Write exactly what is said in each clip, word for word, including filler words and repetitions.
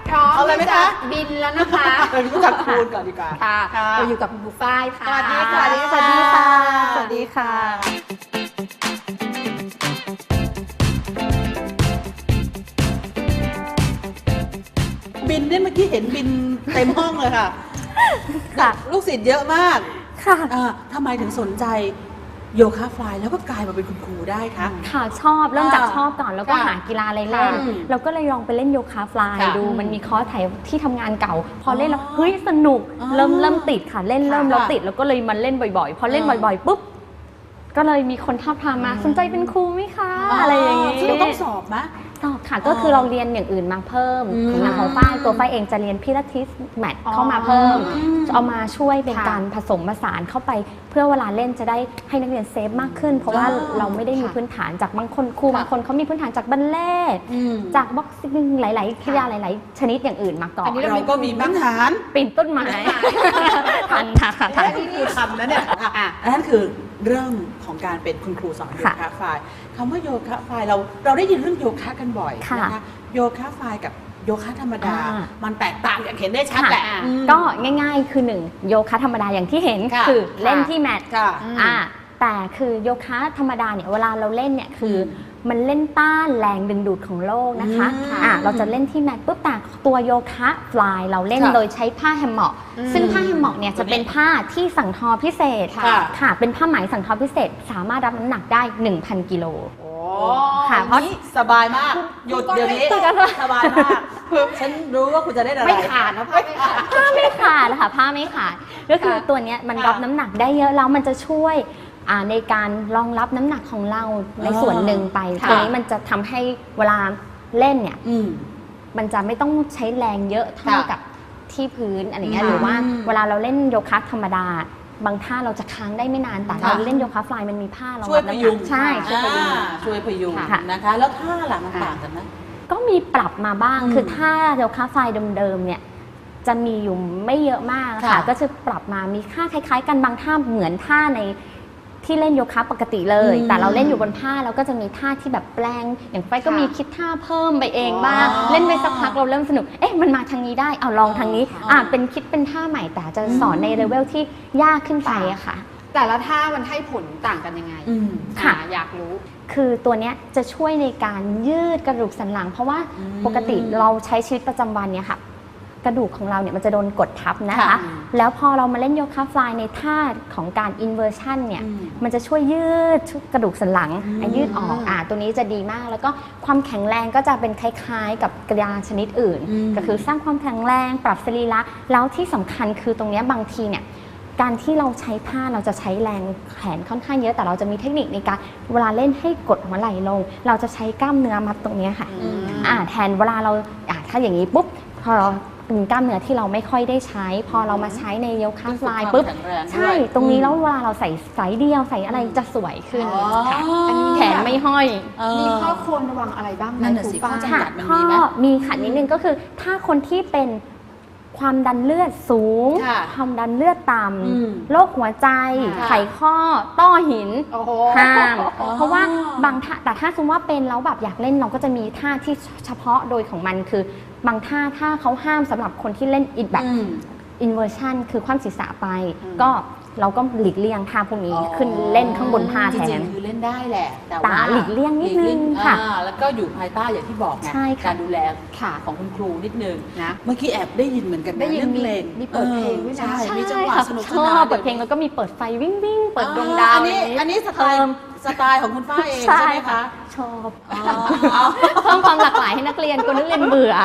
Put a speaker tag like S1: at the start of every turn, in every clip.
S1: พร้อม
S2: เอาเลยไหมคะ
S1: บินแล้วนะคะ
S2: เรารู้จักคูณก่อนดีกว่า
S1: ค่ะ
S2: ค่ะ
S1: เราอยู่กับคุณบุฝ้ายค่ะ
S2: สวัสดีค่ะ
S3: สวัสดีค่ะ
S2: สวัสดีค่ะ บินเนี่ยเมื่อกี้เห็นบินเต็มห้องเลยค่ะ
S3: ค่ะ
S2: ลูกศิษย์เยอะมาก
S3: ค่ะ
S2: อ่าทำไมถึงสนใจโยคะฟลายแล้วก็กลายมาเป็นคุณครูได้คะ
S3: ค่ะชอบเริ่มจาก
S2: อ่า
S3: ชอบก่อนแล้วก็
S2: ค่ะ
S3: หากีฬาอะไรเล่น
S2: ค่ะ
S3: เราก็เลยลองไปเล่นโยคะฟลาย
S2: ค่ะ
S3: ดู
S2: อืม
S3: มันมีคอร์สถ่ายที่ทำงานเก่า พอเล่นแล้ว
S2: อ๋อ
S3: เฮ้ยสนุก
S2: อ๋อ
S3: เริ่มเริ่มติดค่ะเล่นเริ่ม
S2: ค่ะ
S3: แล้วติดแล้วก็เลยมาเล่นบ่อยๆ พอเล่น
S2: อ่า
S3: บ่อยๆปุ๊บก็เลยมีคนท้าบทามมาสนใจเป็นครูไหมคะอะไรอย่างนี้
S2: ซึ่งต้องสอบไหม
S3: สอบค่ะก็คือเราเรียนอย่างอื่นมาเพิ่ม
S2: อืม
S3: อย่างของฝ้ายตัวฝ้ายเองจะเรียนพิลาทิสแมทเข้ามาเพิ่ม
S2: อืม
S3: เอามาช่วยเป็น
S1: ค่ะ
S3: การผสมผสานเข้าไป เพื่อเวลาเล่นจะได้ให้นักเรียนเซฟมากขึ้น เพราะว่า
S2: อ๋อ
S3: เราไม่ได้มี
S1: ค่ะ
S3: พื้นฐานจากบางคนครู
S2: ค่ะ
S3: บางคนเขามีพื้นฐานจากบัลเล่ต์
S2: อืม
S3: จากบ็อกซิ่งหลาย ๆ กีฬาหลาย ๆ ชนิดอย่างอื่นมาก่อน
S1: อันนี้
S2: เราก็มีพื้นฐาน
S3: ปีนต้นไม้ทันค่ะทัน
S2: อันนี้คือคำนะเนี่ยอ่ะอันนั้นคือเรื่องของการเป็นคุณครูสอนโย
S3: ค่ะ
S2: คะฟลายคำว่าโยคะฟลายเราเราได้ยินเรื่องโยคะกันบ่อย
S3: ค่ะ
S2: นะคะโยคะฟลายกับโยคะธรรมดา
S3: อ่า
S2: มันแตกต่างอย่างเห็นได้ชัด
S3: ค่ะ
S2: แหละอืม
S3: ก็ง่าย ๆ คือหนึ่งโยคะธรรมดาอย่างที่เห็น
S2: ค่ะ
S3: คือเล่น
S1: ค่ะ
S3: ที่แมท
S2: ค่ะ
S3: อ่าแต่คือโยคะธรรมดาเนี่ยเวลาเราเล่นเนี่ยคืออ
S2: ม
S3: มันเล่นต้านแรงดึงดูดของโลกนะคะ
S2: อืม
S3: อ่าเราจะเล่นที่แมทปุ๊บแต่ตัวโยคะฟลายเราเล่น
S2: ค่ะ
S3: โดยใช้ผ้าแฮมม็อก
S1: อืม
S3: ซึ่งผ้าแฮมม็อกเนี่ยจะเป็นผ้าที่สั่งทอพิเศษ
S2: ค่ะ
S3: ค่ะเป็นผ้าไหมสั่งทอพิเศษ สามารถรับน้ำหนักได้ หนึ่งพัน กิโล
S2: โอ้
S3: ค่ะเพราะ
S2: นี่สบายมากหยุดเดี๋ยวนี้สบายมากฉันรู้ว่าคุณจะได้อะไร
S1: ไม่ขาดนะพ่อไม่ขาด
S3: ผ้าไม่ขาดนะคะผ้าไม่ขาดก็คือ
S1: ค่ะ
S3: ตัวเนี้ยมัน
S2: ค่ะ
S3: รับน้ำหนักได้เยอะแล้วมันจะช่วยอ่าในการรองรับน้ำหนักของเราในส่วนหนึ่งไป
S2: ค่ะ
S3: ตัวนี้มันจะทำให้เวลาเล่นเนี่ย
S2: อืม
S3: มันจะไม่ต้องใช้แรงเยอะเท่า
S2: ค่ะ
S3: กับที่พื้นอะไรเงี้ย
S2: อืม
S3: หรือว่าเวลาเราเล่นโยคะธรรมดา บางท่าเราจะค้างได้ไม่นานแต่
S2: ค่ะ
S3: เราเล่นโยคะฟลายมันมีผ้ารอง
S2: ช่วย
S3: รับ
S2: พ
S3: น้ำห
S2: ยุ
S3: นั
S2: ง
S3: กใช่ช่วยพยุง
S2: อ่าช่วยพยุง
S3: ค่ะ
S2: นะคะ แล้วท่าล่ะมันต่างกันไหม
S3: ก็มีปรับมาบ้าง
S2: อืม
S3: คือถ้าโยคะไฟล์เดิมๆเนี่ยจะมีอยู่ไม่เยอะมาก
S2: ค่ะ
S3: ค่ะ ก็จะปรับมามีค่าคล้ายๆ กันบางท่าเหมือนท่าในที่เล่นโยคะปกติเลย
S2: อืม
S3: แต่เราเล่นอยู่บนผ้าเราก็จะมีท่าที่แบบแปลง อย่างไฟก็
S1: ค่ะ
S3: มีคิดท่าเพิ่มไปเองบ้าง
S2: อ๋อ
S3: เล่นไปสักพักเราเริ่มสนุก เอ๊ะมันมาทางนี้ได้เอาลองทางนี้
S2: อ๋ออ่
S3: อ่าเป็นคิดเป็นท่าใหม่แต่จะสอน
S2: อืม
S3: ในเลเวลที่ยากขึ้นไปอะค่ะ
S1: แต่ละท่ามันให้ผลต่างกันยังไง
S2: อืม
S3: ค่ะ
S1: อ่าอยากรู้
S3: คือตัวเนี้ยจะช่วยในการยืดกระดูกสันหลัง เพราะว่า
S2: อืม
S3: ปกติเราใช้ชีวิตประจำวันเนี่ยค่ะ กระดูกของเราเนี่ยมันจะโดนกดทับนะคะ
S2: ค่ะ
S3: แล้วพอเรามาเล่นโยคะฟลายในท่าของการอินเวอร์ชันเนี่ย
S2: อืม
S3: มันจะช่วยยืดกระดูกสันหลัง
S2: อืม
S3: อ่ะยืดออกอ่ะตัวนี้จะดีมาก แล้วก็ความแข็งแรงก็จะเป็นคล้ายๆ กับกีฬาชนิดอื่น
S2: อืม
S3: ก็คือสร้างความแข็งแรง ปรับสรีระแล้วที่สำคัญคือตรงเนี้ยบางทีเนี่ยการที่เราใช้ผ้าเราจะใช้แรงแขนค่อนข้างเยอะแต่เราจะมีเทคนิคในการเวลาเล่นให้กดหัวไหล่ลง เราจะใช้กล้ามเนื้อมัดตรงเนี้ยค่ะ
S2: อืม
S3: อ่าแทนเวลาเราอ่าถ้าอย่างนี้ปุ๊บพอเราเป็นกล้ามเนื้อที่เราไม่ค่อยได้ใช้ พอเรามาใช้ในโยคะฟลายปุ๊บ
S2: แข็งแรงด้วย
S3: ใช่ตรงนี้
S2: อืม
S3: แล้วเวลาเราใส่สายเดียวใส่อะไรจะสวยขึ้น
S2: อ๋อ
S3: ค่ะอันนี้แขนไม่ห้อย
S2: เออ
S1: มีข้อควรระวังอะไรบ้างไหม
S2: นั่นน่ะ
S1: ครู
S2: สิ
S1: ฝ้าย
S2: ข้อจำ
S3: ค่ะ
S2: กัดมัน
S3: ข้
S2: มี
S3: อ
S2: ไหม
S3: มีขันนิดนึงก็คือ ถ้าคนที่เป็นความดันเลือดสูง
S2: ค่ะ
S3: ความดันเลือดต่
S2: อืม
S3: ำโรคหัวใจ
S2: ค่ะ
S3: ไขข้อต้อหิน
S1: โอ้โห
S3: ห้าม
S2: อ๋อ
S3: เพราะว่าบางท่าแต่ถ้าสมมติว่าเป็นแล้วแบบอยากเล่นเราก็จะมีท่าที่เฉพาะโดยของมันคือบางท่าถ้าเขาห้ามสำหรับคนที่เล่นอินแบบ
S2: อืม
S3: อินเวอร์ชันคือความศีรษะไป
S2: อืม
S3: ก็เราก็หลีกเลี่ยงท่าพวกนี้ขึ้นเล่นข้างบนผ้าแท
S2: จริ
S3: น
S2: งๆคือเล่นได้แหละ แต่
S3: แต่
S2: ว่า
S3: หลีกเลี่ยงนิดนึง
S2: หลีกเลี่ย
S3: ค่ะ
S2: อ่าแล้วก็อยู่ภายใต้อย่างที่บอกไง
S3: ใช่ค่ะ
S2: การดูแล
S1: ค่ะ
S2: ของคุณครูนิดนึง
S1: นะ
S2: เมื่อกี้แอบได้ยินเหมือนกันนะ
S1: ได้ยิน
S2: เรื่องเพลง
S1: มีมีเปิดเพลงด้วยนะ
S2: ใช่
S3: ใช่
S2: มีจังหวะ
S3: ค่ะ
S2: สนุก
S3: ช
S2: ส
S3: อน
S2: าน
S3: บเปิดเพลงแล้วก็มีเปิดไฟวิ่งวิ่งเปิดดวงดาว
S2: อันนี้อันนี้สไตล์
S3: เพิ่ม
S2: สไตล์ของคุณฝ้ายเองใช่ไหมคะ
S3: ชอบ
S2: อ๋อเอา
S3: เพิ่มความหลากหลายให้นักเรียนกลัวนักเรียนเบื่อ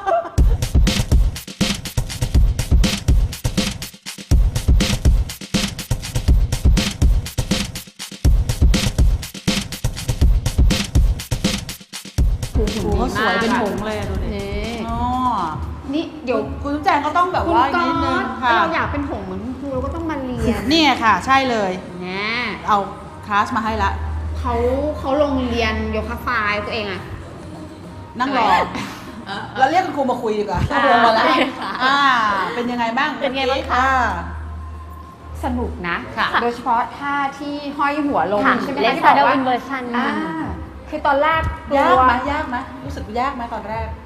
S1: คือ
S2: โอ้
S1: หุ่น
S2: โห
S1: ดี
S2: ส
S1: มาก
S2: วยเป็นผงเลยอะดูดิ
S1: นี่
S2: อ๋อ
S1: นี่เดี๋ยว
S2: คุณจุ๊บแจงก็ต้องแบบ
S1: คุณ
S2: ว่า
S1: ก๊อ
S2: นิดนึง
S1: ต
S2: ค่ะ
S1: เราอยากเป็นหงส์เหมือนคุณครูเราก็ต้องมาเรียน
S2: เนี่ยค่ะ ใช่เลย
S1: นะ
S2: เอาคลาสมาให้ละ
S1: เขาเขาลงเรียนโยคะฟลายตัวเองอะ
S2: นั่งรอเราเรียกคุณครูมาคุยดีกว่า
S1: อ่า
S2: ลงมาแล้วอ่าเป็นยังไงบ้าง
S3: เป็นไงบ้างคะ
S2: อ่า
S1: สนุกนะ
S2: ค่ะ
S1: โดยเฉพาะท่าที่ห้อยหัวลง
S3: ค่ะ
S1: ใช่ไหม
S3: เล่น
S1: ที่
S3: ซา
S1: บ
S3: ด
S1: อกว่า
S3: อินเวอร์ชัน
S1: อ่าคือตอนแรกกลั
S2: ยาก
S1: ว
S2: ไหมยากไหมรู้สึกยากไหมตอนแรก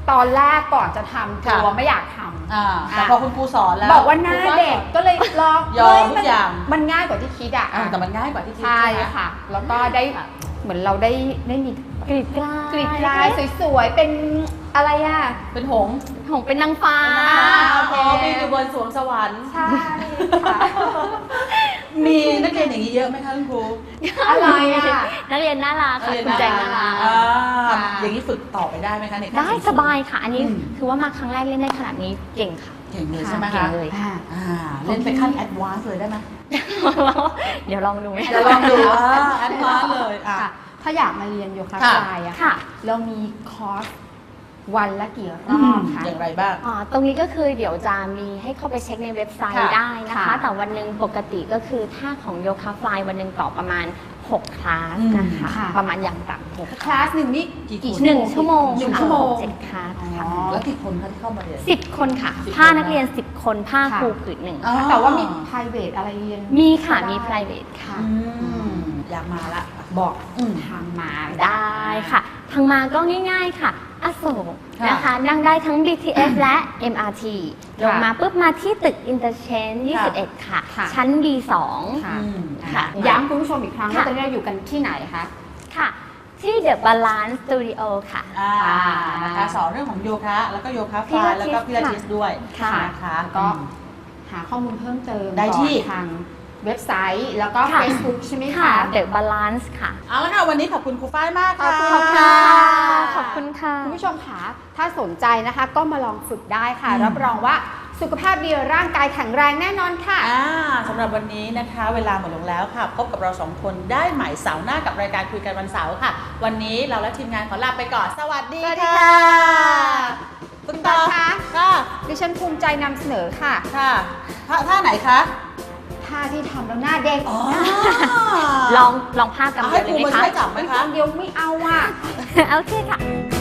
S1: ตอนแรกก่อนจะทำกลัว
S2: ค่ะ
S1: ไม่อยากทำ
S2: อ่าแต่พอคุณครูสอนแล้ว
S1: บอกว่าหน้าเด็กก็เลยลอง
S2: ยอม
S1: เฮ้
S2: ทุก
S1: มัน
S2: อย่าง
S1: มันง่ายกว่าที่คิดอ่ะ
S2: อ่าแต่มันง่ายกว่าที่คิด
S1: ใช่
S2: ไหม
S1: ค่ะ แล้วก็ได้
S2: ค่ะ
S1: เหมือนเราได้ได้มี
S3: กรีดกลาย
S1: กรีดลายสวยๆ เป็นอะไรอ่ะ
S2: เป็นหงส์
S3: หงเป็นนางฟ้า
S1: อ่า
S2: พอมีอยู่บนสวงสวรรค์
S1: ใช่ค่ะ
S2: มีนักเรียนอย่างนี้เยอะไหมคะคุณครู
S1: อะไรอ่ะ
S3: นักเรียนน่ารักค่ะคุณแจงน่ารัก
S2: อ่า
S1: ค่ะ
S2: อย่างนี้ฝึกต่อไปได้ไหมคะในขั้น
S3: ได้
S2: สูงๆ
S3: สบายค่ะ อันนี้
S2: อืม
S3: คือว่ามาครั้งแรกเล่นได้ขนาดนี้เก่งค่ะ
S2: เก่งเลยใช่ไหม
S3: เก่
S2: คะ
S3: งเลย
S1: อ่า
S2: อ่าเล่นไปขั้นแอดวานซ์เลยได้ไหม
S3: เดี๋ยวลองดูไหม
S1: เดี๋ยวลองดู
S2: แอดวานซ์เลยอ่ะ
S1: ค่ะ ถ้าอยากมาเรียนโยคะ
S2: ค่ะ
S1: ฟลายอะ
S3: ค่ะ
S1: เรามีคอร์สวันละกี่ร
S2: อื
S1: อ
S2: ม
S1: บคะ
S2: อย่างไรบ้าง
S3: อ่าตรงนี้ก็คือเดี๋ยวจะมีให้เข้าไปเช็คในเว็บไซต์
S2: ค่ะ
S3: ได้นะคะ
S1: ค่ะ
S3: แต่วันหนึ่งปกติก็คือถ้าของโยคะฟลายวันหนึ่งต่อประมาณหกคลาส
S2: อืม
S3: นะคะ
S1: ค่ะ
S3: ประมาณอย่างต่ำหก
S1: คลาสหนึ่งนี่
S2: กี่
S1: กี่
S2: คน
S3: หนึ่งชั่วโมง
S1: หนึ่ง
S3: ค่ะ
S1: ชั่วโมง
S3: เจ็ดคลาสค่ะ
S1: อ๋อ
S2: แล้วกี่คนคะที่เข้ามาเรียน
S3: สิบคนค่ะ
S2: สิบ
S3: ผ้า
S2: คน
S3: นักเรียนสิบคนผ้า
S1: ค่ะ
S3: ครูผืนหนึ่ง
S2: อ๋อ
S1: แต่ว่ามี private อะไรเรียน
S3: มีค่ะ
S1: ได้
S3: มี private ค่ะ
S2: อืมอยากมาละ
S1: บอก
S2: อืม
S1: ทางมา
S3: ได้ค่ะ ทางมาก็ง่ายๆค่ะ อโศก
S2: ค่ะ
S3: นะคะ นั่งได้ทั้ง บี ที เอส และ เอ็ม อาร์ ที ลงมาปุ๊บมาที่ตึก Interchange ยี่สิบเอ็ด ค่ะ
S1: ค่ะ
S3: ชั้น บี สอง
S1: ค่ะ
S2: อืม
S3: ค่ะ
S1: ย้ำคุณผู้ชมอีกครั้งว่า
S3: ค่ะ
S1: ตอนนี้เราอยู่กันที่ไหนคะ
S3: ค่ะ ที่ The Balance Studio ค่ะ
S2: อ่า
S1: อ่า
S2: นะคะสอนเรื่องของโยคะ แล้วก็โยคะฟ
S3: พิ
S2: ลา
S3: ลาย ทิส
S2: แล้วก็พิลาทิสด้วย
S3: ค่ะ
S2: นะคะ
S1: แล้วก็หาข้อมูลเพิ่มเติม
S2: ได้ที่
S1: ก่อนทางเว็บไซต์ แล้วก็
S3: ค่ะ
S1: Facebook ใช่ไหม
S3: ค่ะ
S1: คะ
S3: The Balance ค่ะ
S2: เอาละค่ะ วันนี้ขอบคุณครูฝ้ายมากค่ะ
S1: ขอบคุณ
S3: ขอบคุณค่ะ ขอบคุณค่ะ
S1: คุณผู้ชมคะถ้าสนใจนะคะ ก็มาลองฝึกได้ค่ะ
S2: อืม
S1: รับรองว่าสุขภาพดีร่างกายแข็งแรงแน่นอนค่ะ
S2: อ่าสำหรับวันนี้นะคะ เวลาหมดลงแล้วค่ะ พบกับเราสองคนได้ใหม่เสาร์หน้ากับรายการคุยกันวันเสาร์ค่ะ วันนี้เราและทีมงานขอลาไปก่อน สวัสดี
S1: สวัสดี
S2: ค่ะ
S1: ค่ะ
S2: คุณต่อ
S1: คะ
S2: ค่ะ
S1: ดิฉันภูมิใจนำเสนอค่ะ
S2: ค่ะท่าท่าไหนคะ
S1: ท่าที่ทำแล้วหน้าเด็ก
S2: อ๋อ
S3: ลองลองผ้ากำ
S2: เอา
S3: เดี
S2: ให้
S3: ยว
S2: ค
S3: เล
S2: รู
S3: ยไหม
S2: มา
S3: คะ
S2: ช่วยจับไหม
S1: เป็น
S2: คะ
S1: คำเดียวไม่เอาอ่ะ
S3: โอเคค่ะ